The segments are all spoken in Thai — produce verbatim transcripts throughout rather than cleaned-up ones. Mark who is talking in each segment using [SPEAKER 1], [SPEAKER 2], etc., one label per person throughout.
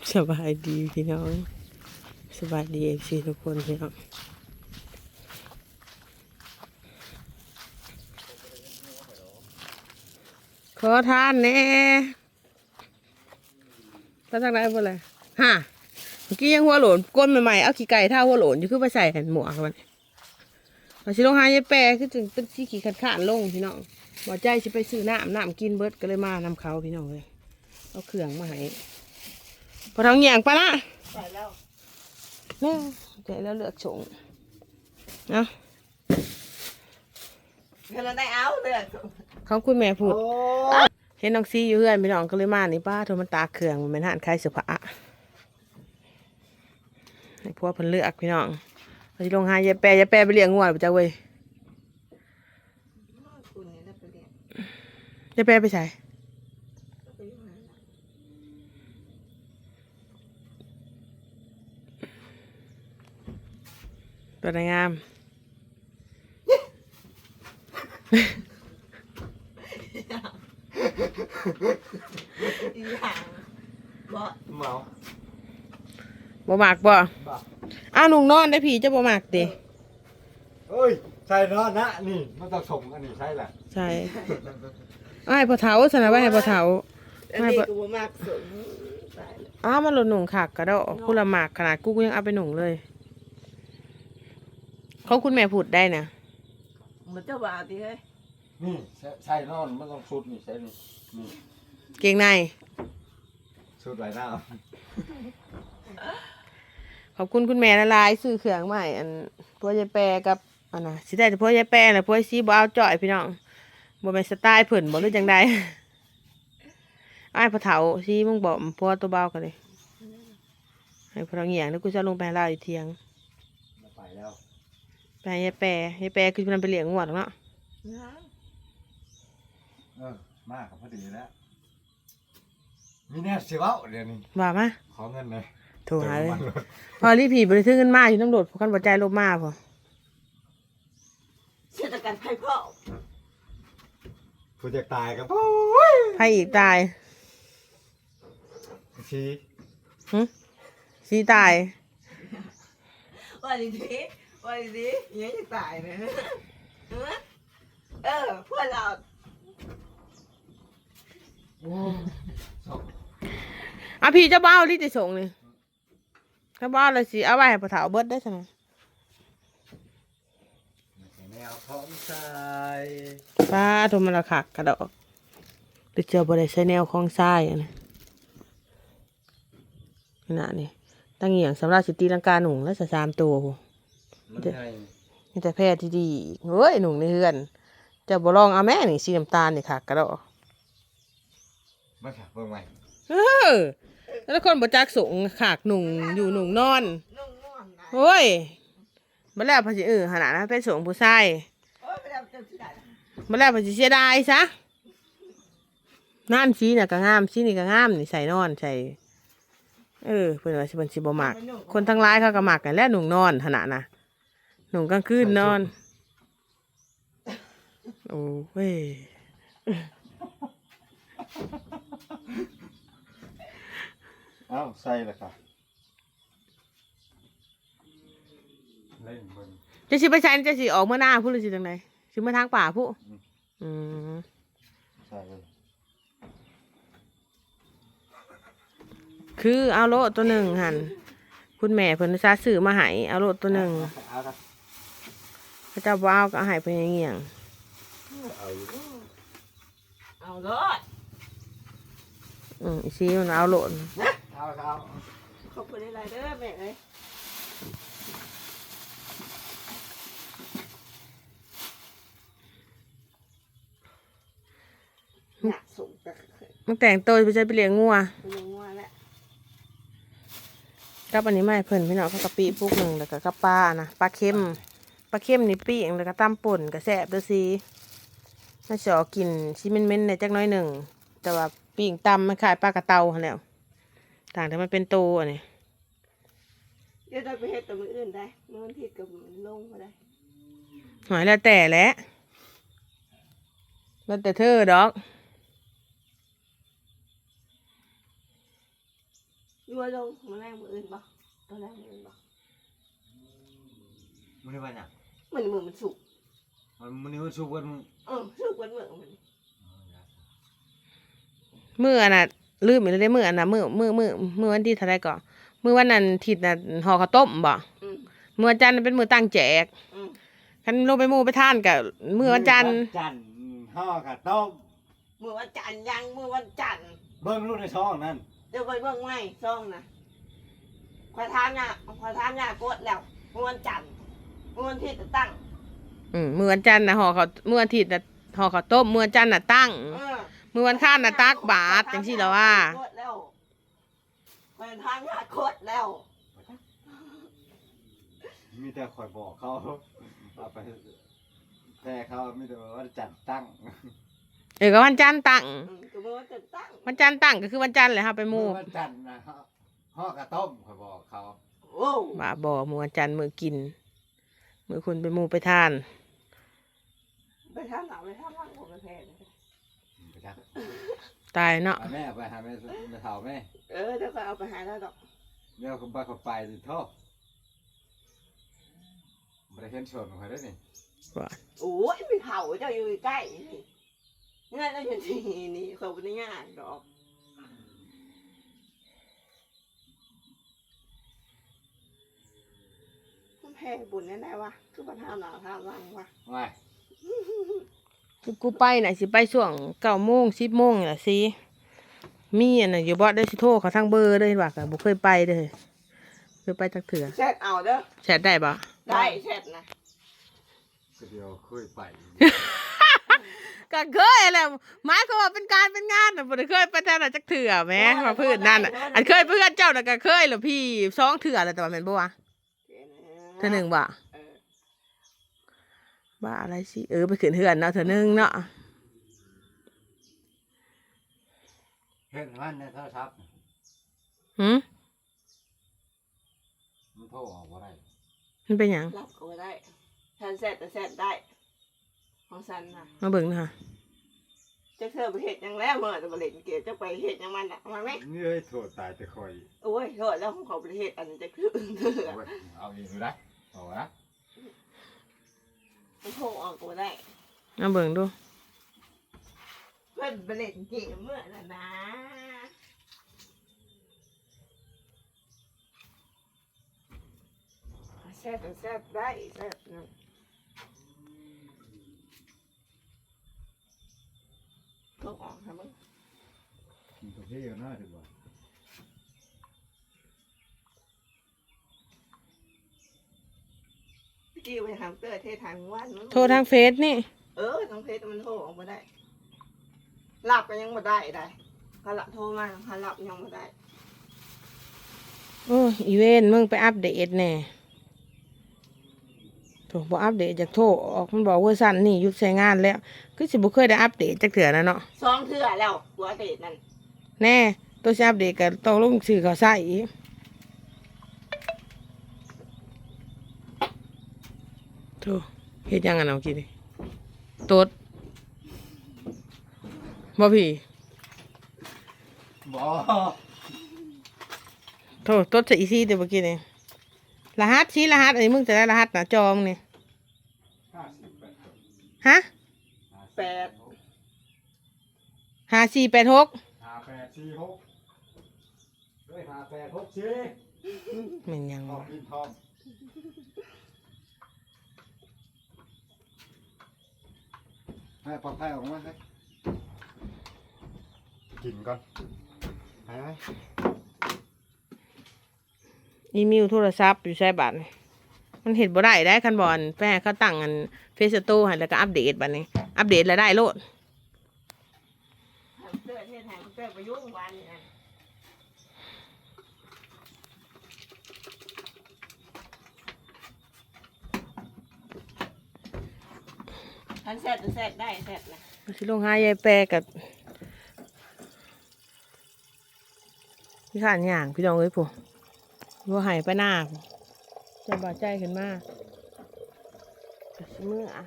[SPEAKER 1] สบายดีพี่น้องสบายดีเอฟซีทุกคนพี่น้องขอทานแน่ถ้าทางไหนบ่เลยฮะเมื่อกี้ยังหัวโหลนก้นใหม่ๆเอาขี้ไก่ท่าหัวโหลนอยู่คือไปใส่แผ่นหมวกมันพอชิลงหายายแปรคือจึงตึ้งชี้ขี้ขัดขานลงพี่น้องบ่ใจสิไปซื้อน้ำน้ำกินเบิดก็เลยมานำเขาพี่น้องเลยเอาเครื่องมาให้พอทางเหยียงไปละไปแล้วเนี่ยเดี๋ยวเราเลือกชงเนาะ
[SPEAKER 2] เงินได้เอาเลย
[SPEAKER 1] เขาคุณแม่พูดเห็นน้องซีอยู่เพื่อนพี่น้องก็เลยมานี่ป้าโทรมันตาเครื่องมันเป็นหันคล้ายเสื้อผ้าให้พวกเพิ่นเลือกพี่น้องเราจะลงหายายแปรยายแปรไปเลี้ยงงัวไปจ้าเว้ยยายแปรไปใส่ตัวงาม
[SPEAKER 2] บ่
[SPEAKER 3] เมา
[SPEAKER 1] บ่หมากบ่อ้าวหนุ่งนอนได้ผีจะบ่หมากดิ
[SPEAKER 3] เอ้ยใช่เนาะนะนี่มันต้องส่งอันนี้ใช่แหละ
[SPEAKER 1] ใช่ไอ้พอเท้าสนะไว้ให้พอเท้า
[SPEAKER 2] อันนี้กูบ่มากสม
[SPEAKER 1] อ้าวมันหล่นหนุ่งขากกระโดดกูละหมากขนาดกูกูยังเอาไปหนุ่งเลยเขาคุณแม่พูดได้นะ
[SPEAKER 2] มันเจ้าบ่าวดิเฮ้ย
[SPEAKER 3] นี่ใช่นอนมันต้องชุดนี่ใช่นี่นี่
[SPEAKER 1] เก่งใน
[SPEAKER 3] ชุดไหลหน้า
[SPEAKER 1] ขอบคุณคุณแม่ละลายซื้อเครื่องใหม่อันพวกยายแปรกับอันน่ะสิได้แต่พวกยายแปรแหละพวกซีบ่เอาจ่อยพี่น้องบ่เป็นสไตล์เพิ่นบ่หรือจังใดไอ้พอเฒ่าซีมึงบอกพวกตัวเบากันเลยให้พอเราเหงี่ยงแล้วกูจะลงไปลาอยู่เที่ยง
[SPEAKER 3] ไปแล้ว
[SPEAKER 1] ไปยายแปรยายแปรคือมันไปเลี้ยงงวดเนาะ
[SPEAKER 3] เออมากกับพอดีแล้วมีแน่เสียวเดี๋ยวนี้
[SPEAKER 1] ว่ามา
[SPEAKER 3] ขอเงินเลย
[SPEAKER 1] โทรหาเลยพอรีผีบริสุทธิ์เงินมาอยู่น้ำโดดพอกันปัจจัยลบมาพอ
[SPEAKER 2] เศรษฐกิจไพ่พ่อ
[SPEAKER 3] ผู้จะตายกับ
[SPEAKER 1] ไพ่อีกตาย
[SPEAKER 3] ชี้
[SPEAKER 1] ฮึชี้ตาย
[SPEAKER 2] ว่าดีดีว่าดีดียังจะตายเลยเออพวกเรา
[SPEAKER 1] อ่ะพี่เจ้าบ้าที่จะส่งเลยถ้าบ้าเลยสิเอาไว้ให้ปะเถาเบิดได้ใช่ไหม
[SPEAKER 3] แนวท้องทราย
[SPEAKER 1] ป้าโทรมาละขักกระดอกหรือเจอบริษัทแนวคลองทรายนะขนาดนี้ตั้งเหี่ยงสำหรับสิตีลังกาหนุ่งและสามตัวนี่แต่แพทย์ที่ดีเฮ้ยหนุ่งในเฮือนจะบ่ลองเอาแม่หนึ่งสีน้ำตาลนี่ค่ะกระดอก
[SPEAKER 3] มาค่ะเพิ่งใหม่
[SPEAKER 1] เออแล้วคนบ่จักสูงขากหนุ่งอยู่หนุ่งนอนโอ้ยมาแล้วพอสิเออขนาดนั้นเป็นสูงผู้ชายมาแล้วพอสิเสียดายซะนั่นสีน่ะก็งามสีนี่ก็งามนี่ใส่นอนใส่เออเพิ่นว่าสิเพิ่นสิบ่มักคนทั้งหลายเขาก็มักกันแล้วหนุ่งนอนขนาดน่ะหนุ่งกลางคืนนอนโอ้เว้ย
[SPEAKER 3] อ้าวใส่เลยค่ะเล่นบน
[SPEAKER 1] จะสิไปใช้จะสิออกเมื่อหน้าพูดหรือสิจังไดสิมาทางป่าพูอืม
[SPEAKER 3] ใช่เลย
[SPEAKER 1] คือเอาโลตัวหนึ่งหันคุณแม่เพิ่นซาซื้อมาให้เอาโลตัวหนึ่งพระเจ้าว้าวก็เอาให้เพิ่นเงี้ยง
[SPEAKER 2] เอาโลด
[SPEAKER 1] อืมอีซีมันเอาโลด
[SPEAKER 3] เอาเอา
[SPEAKER 2] ขอบคุณอะไรเด้อแม่เอ้ย
[SPEAKER 1] มันแต่งตัวไปใช้ไปเลี้ยงงัว
[SPEAKER 2] เลี้ยงงัวแหละ
[SPEAKER 1] กับอันนี้ไม่เพิ่นพี่น้องเขากะปิพวกหนึ่งแล้วก็กับปลานะปลาเค็มปลาเค็มนี่ปีกแล้วก็ตำป่นกับแซ่บด้วยสิไม่ชอบกินชิเม้นๆในจักน้อยหนึ่งแต่ว่าปีกตำมันขายปลากระเตาแล้วต่างแต่มันเป็นโตอันนี้
[SPEAKER 2] เดี๋ยวเราไปเฮ็ดตัวมืออื่นได้มือผิดกับมือลงมาได้
[SPEAKER 1] หอยแล้วแต่แหละแล้วแต่เธอดอก
[SPEAKER 2] ยัวลงมาแรงมืออื่นบ่ตอนแรกมืออื่นบ่
[SPEAKER 3] มันนี่ว่าเนี่ย
[SPEAKER 2] มันมือมันสุก
[SPEAKER 3] มันมันนี่มันสุกกันมึง
[SPEAKER 2] เออสุกวันมือมัน
[SPEAKER 1] มื้ออันน่ะลืมอีกแล้วเด้มื้ออันน่ะมื้อมื้อมื้อมื้อวันที่เท่าไรก่อนมื้อวันนั้นทิศน่ะห่อข้าวต้มบ่
[SPEAKER 2] อืม
[SPEAKER 1] มื้อวันจันทร์เป็นมื้อตั้งแจก
[SPEAKER 2] อืม
[SPEAKER 1] คันลงไปหมู่ไปทานก็มื้อวันจันทร์
[SPEAKER 3] จันทร์ห่อกับต้ม
[SPEAKER 2] มือวันจันทร์ยังมือวันจันทร์
[SPEAKER 3] เบิ่งลูกในช่องนั่น
[SPEAKER 2] เดี๋ยวไปเบิ่งไม้ซ่องนะขอทานเนี่ยขอทานเนี่ยกดแล้วมือวันจันทร์มือวันที่จะตั้ง
[SPEAKER 1] อืมมื้อวันจันทร์น่ะห่อข้าวมื้อวันอาทิตย์น่ะห่อข้าวต้มมื้อวันจันทร์น่ะตั้ง
[SPEAKER 2] เออ
[SPEAKER 1] มื้อวันค้านน่ะตักบาตรจังซี่ล่ะว่า
[SPEAKER 2] กดแล้วขอทานเนี่ยกดแล้ว
[SPEAKER 3] มีแต่คอยบอกเขาเอาไปแต่เขามีแต่ว่าจันทร์ตั้ง
[SPEAKER 1] เออก็วันจันทร์ตั้ง
[SPEAKER 2] อืมก็มือวันจันทร์ตั้ง
[SPEAKER 1] วันจันทร์ตั้งก็คือวันจันทร์แหละครับไปหมู่
[SPEAKER 3] วันจันทร์นะฮะห่อกับต้มคอยบอกเขา
[SPEAKER 2] โอ้
[SPEAKER 1] บ่าบ่มื้อวันจันทร์มื้อกินมื้อคุณไปหมู่ไปทาน
[SPEAKER 2] ไปทานหนาวไปทานร้อนผมไปแพ้เลย
[SPEAKER 3] ไปจัก
[SPEAKER 1] ตายเนาะ
[SPEAKER 3] เอาแม่ไปหาแม่แม่เฒ่าแม่
[SPEAKER 2] เออเดี๋ยวก็เอาไปหาแล้วดอก
[SPEAKER 3] เดี๋ยวคุณไปเขาไปดิโทษบริเห็นชนของเขาได้นี่
[SPEAKER 1] ว่า
[SPEAKER 2] โอ้ยไปเผาเจ้าอยู่ใกล้นี่งานเราอยู่ที่นี่เขาไม่ได้งานดอกมันแพ้บุญแน่ๆวะคือปัญหาหนาวท่าวังวะ
[SPEAKER 3] ไม่
[SPEAKER 1] คือกูไปน่ะสิไปช่วงเก้าโมงสิบโมงนี่ล่ะสิมีอันน่ะอยู่บ่ได้สิโทรเขาทางเบอร์เลยว่าก็บ่เคยไปเด้อเคยไปจักเถื่อ
[SPEAKER 2] แชทเอาเด้อ
[SPEAKER 1] แชทได้บ่
[SPEAKER 2] ได้แชทนะ
[SPEAKER 3] ก็เดียวคุยไป
[SPEAKER 1] ก็เคยแหละหมายความว่าเป็นการเป็นงานน่ะบ่ได้เคยไปแต่ละจักเถื่อแหมมาพื้นนั่นน่ะอันเคยเพื่อนเจ้าน่ะก็เคยแล้วพี่สองเถื่อแล้วแต่ว่าแม่นบ่วะเทื่อหนึงบ่
[SPEAKER 2] เออ
[SPEAKER 1] บ้าอะไรสิเออไปขึ้นเฮือนเนาะเทื่อหนึงเนาะ
[SPEAKER 3] เห็นมันในโทรศัพท์
[SPEAKER 1] หึ
[SPEAKER 3] มันโทรออกว่าไร
[SPEAKER 1] มันเป็นหยัง
[SPEAKER 2] รับก็ได้ฉันแชทแต่แชทได้ของฉันนะ
[SPEAKER 1] มาเบิ่งหน่อยค่ะ
[SPEAKER 2] จะเธอไปเห็ดหยังแล้วเมื่อจะไปเล่นเกมจะไปเห็ดหยังมันอ่ะมาไหม
[SPEAKER 3] นี่เลยโทรตายแต่คอย
[SPEAKER 2] โอ้ยโทษแล้วของเขาไปเห็ดอันนี้จะคือเธอ
[SPEAKER 3] เอาไว้เอาเองดูได้เอาละ
[SPEAKER 2] มันโทรออกก็ได้
[SPEAKER 1] มาเบิ่งดู
[SPEAKER 2] เพื่อนไปเล่นเกมเมื่อน่ะนะแซ่บแซ่บได้แซ่บนะโทรออกค่ะมึง
[SPEAKER 3] กินกาแฟกันหน้าถึงว่า
[SPEAKER 2] กี้ไปทางเตอร์เทศทางวันมั้ง
[SPEAKER 1] โทรทางเฟซนี่
[SPEAKER 2] เออทางเพจมันโทรออกมาได้หลับก็ยังมาได้ได้เขาหลับโทรมาเขาหลับยังมาได้
[SPEAKER 1] โอ้ยอีเวนมึงไปอัปเดตแน่โถบ่อัปเดตจากโทรออกมันบอกเวอร์ชันนี่หยุดใช้งานแล้วคือสิบ่เคยได้อัปเดตจักเถื่อนะเนาะ
[SPEAKER 2] สองเทื่อแล้วหัวเดทนั่น
[SPEAKER 1] แน่ตัวสิอัปเดตก็ต้องลงชื่อเขาใส่อีกโถเฮ็ดหยังกันเอากินดิตดบ่พี่
[SPEAKER 3] บ่
[SPEAKER 1] โถตดใส่อีซี่เดี๋ยวเมื่อกี้นี่รหัสชี้รหัสอันนี้มึงจะได้รหัสหน้าจอมึงนี่
[SPEAKER 3] ห้าสิบแปดคน
[SPEAKER 1] ฮะ
[SPEAKER 2] แปด
[SPEAKER 1] ห้าสี่แปดหก
[SPEAKER 3] ห้าแปดสี่หกเฮ้ยห้าแปดหกสี่
[SPEAKER 1] แม่นยัง
[SPEAKER 3] ทอง
[SPEAKER 1] วะ
[SPEAKER 3] กินทองให้ปลอกไข่ออกมาให้กินก่อนไปไหม
[SPEAKER 1] อีเมลโทรศัพท์อยู่ใช้บัตรนี่มันเห็นบ่ได้ได้คันบอลแป้เขาตั้งอันเฟซโตให้แล้วก็อัปเดตบัดนี้ อัปเดตแล้วได้โลด
[SPEAKER 2] ทางเตอร์เทศทางเตอร์ประยุกต์วันนี่นะทันแซดแซดได้แซดนะ
[SPEAKER 1] สิลงหายายแปรกับพี่ข้านย่างพี่น้องเอ้ยผู้ว่าหายไปหน้าผู้จะบาดใจขึ้นมาก็สิเมื่ออะ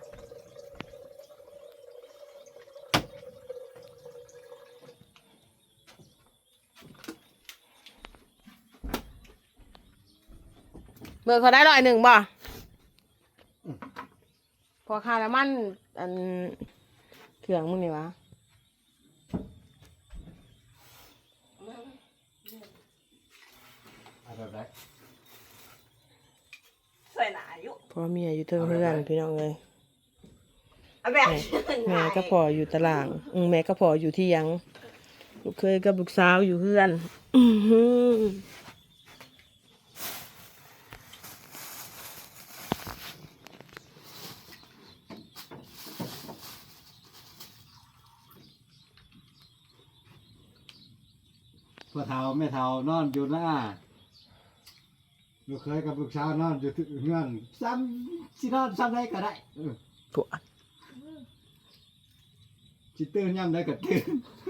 [SPEAKER 1] เบิกเขาได้ร้อยหนึ่งบ่พอค่าน้ำมันอันเครื่องมึงนี่วะ
[SPEAKER 3] เอาแบบไหน
[SPEAKER 2] ใส่หนาอยู่
[SPEAKER 1] พ่อเมียอยู่เทิงเพื่อนพี่น้องเลย
[SPEAKER 2] เอาแบบ
[SPEAKER 1] แม่ก็พออยู่ตารางอืมแม่ก็พออยู่ที่ยังลูกเคยกับลูกสาวอยู่เพื่อนอื้อหือ
[SPEAKER 3] พ่อเฒ่าแม่เฒ่านอนอยู่หน้าลูกเคยกับลูกสาวนอนอยู่ที่เงื่อนซ้ำสินอนซ้ำได้ก็ได้เออ
[SPEAKER 1] ปวด
[SPEAKER 3] สิตื่นย่ำได้ก็ตื่น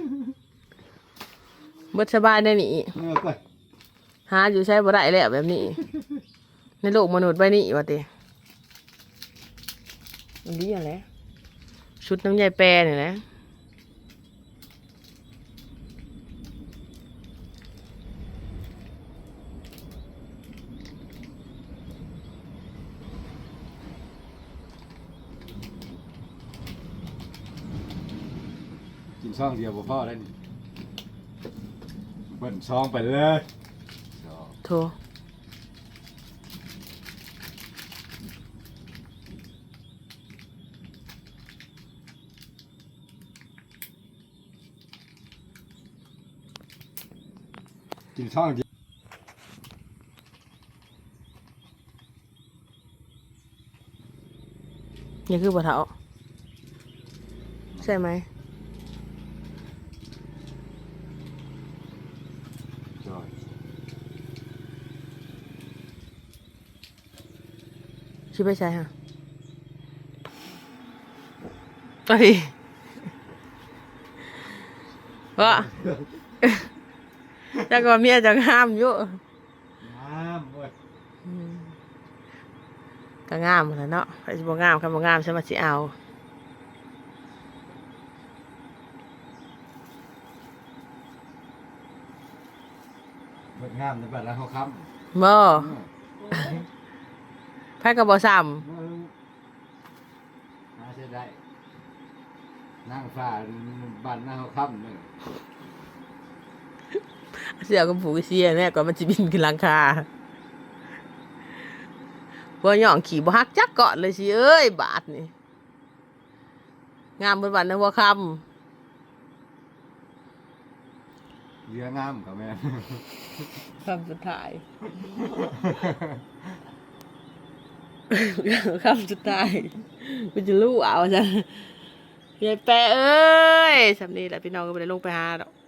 [SPEAKER 1] เบิดสบายได้นี่
[SPEAKER 3] เออก็
[SPEAKER 1] หาอยู่ใช้บ่ได้แล้วแบบนี้ ในโลกมนุษย์ใบนี้ว่าติอันนี้อะไรชุดน้ำยายแปรเนี่ยนะ
[SPEAKER 3] กินช่องเดียวบ่พอได้นี่เบิ่นช่องไปเลยช่อง
[SPEAKER 1] โทร
[SPEAKER 3] กินช่องเดียว
[SPEAKER 1] นี่คือบ่เฒ่าใช่ไหม
[SPEAKER 3] ช่อง
[SPEAKER 1] ชิไปใช่ฮะเอ้ยว่าจักว่าเมียจังห้ามอยู่
[SPEAKER 3] น้ำเว้ย
[SPEAKER 1] อืมก็งามหมดแล้วเนาะใครจะบ่งามใครบ่งามฉันมาสิเอา
[SPEAKER 3] เบิ่งงามในบัดแล้วเขาค้
[SPEAKER 1] บ่
[SPEAKER 3] ำ
[SPEAKER 1] ไผก็บ่ซ้
[SPEAKER 3] มึงหาเสียได้นั่งฟ้าบ้านหน้าเขาค้ำนึง
[SPEAKER 1] ำเสือกับผูกเสียแน่กว่ามันสิบินขึ้นหลังคาบ่ย่องขี่บ่ฮักจักเกาะเลยสิเอ้ยบาดนี่งามเบิดวันนะหัวค่ำ
[SPEAKER 3] เรืองามกับแม่
[SPEAKER 1] คำสุดท้าย คำสุดท้ายกูจะรู้เอาจ้ะยายแปะเอ้ยสำนีแหละพี่น้องก็ไม่ได้ลงไปหาดอก